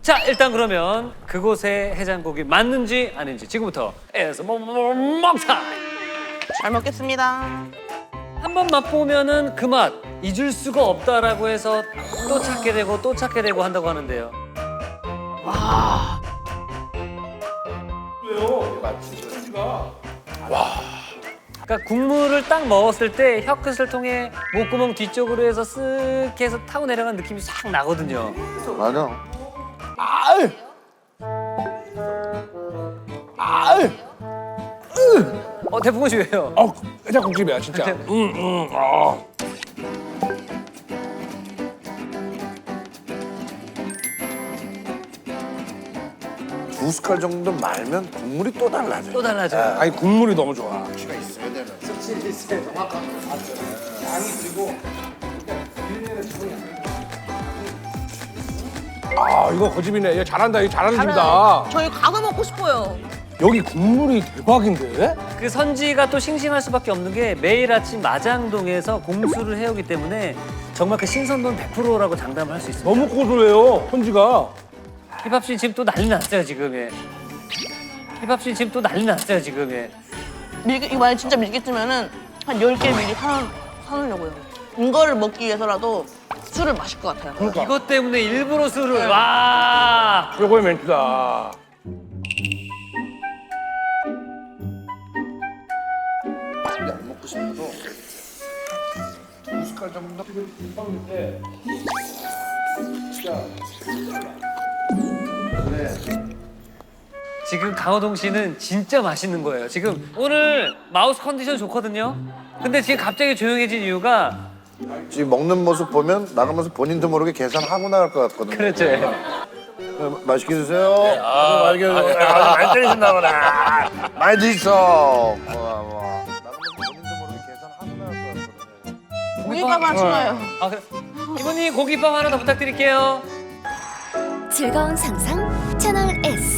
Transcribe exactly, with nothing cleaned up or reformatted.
자, 일단 그러면 그곳의 해장국이 맞는지 아닌지 지금부터 에서 먹먹먹타 잘 먹겠습니다. 한 번 맛보면은 그 맛 잊을 수가 없다라고 해서 또 찾게 되고 또 찾게 되고 한다고 하는데요. 그러니까 국물을 딱 먹었을 때 혀끝을 통해 목구멍 뒤쪽으로 해서 쓱 해서 타고 내려간 느낌이 싹 나거든요. 맞아. 아이! 아이! 어, 대풍원 씨 왜요? 어, 해장국집이야 진짜. 음, 음, 아. 두 숟갈 정도 말면 국물이 또 달라져. 또 달라져요. 아니 국물이 너무 좋아. 아 이거 거집이네. 얘 잘한다. 이거 잘하는 집이다. 저희 가서 먹고 싶어요. 여기 국물이 대박인데? 그 선지가 또 싱싱할 수밖에 없는 게 매일 아침 마장동에서 공수를 해오기 때문에 정말 그 신선도는 백 퍼센트라고 장담을 할 수 있습니다. 너무 고소해요. 선지가. 힙합 씨 지금 또 난리 났어요 지금. 예. 힙합 씨 지금 또 난리 났어요 지금. 예. 밀 이거 만약 진짜 밀겠으면은 한 열 개 미리 사, 사놓으려고요. 이거를 먹기 위해서라도 술을 마실 것 같아요. 그러니까 이것 때문에 일부러 술을 와. 최고의 멘트다. 안 먹고 싶어도 두 숟갈 정도. 지금 강호동 씨는 진짜 맛있는 거예요. 지금 오늘 마우스 컨디션 좋거든요. 근데 지금 갑자기 조용해진 이유가 지금 먹는 모습 보면 나가면서 본인도 모르게 계산하고 나갈 것 같거든요. 그렇죠. 어, 맛있게 드세요. 아, 맛있게 드세요. 아, 많이 때리신다 보네. 많이 드셔. 와, 와. 나가면서 본인도 모르게 계산하고 나갈 것 같거든요. 고기밥 하나 추가요. 아, 그래. 이모님 고기밥 하나 더 부탁드릴게요. 즐거운 상상 채널 S.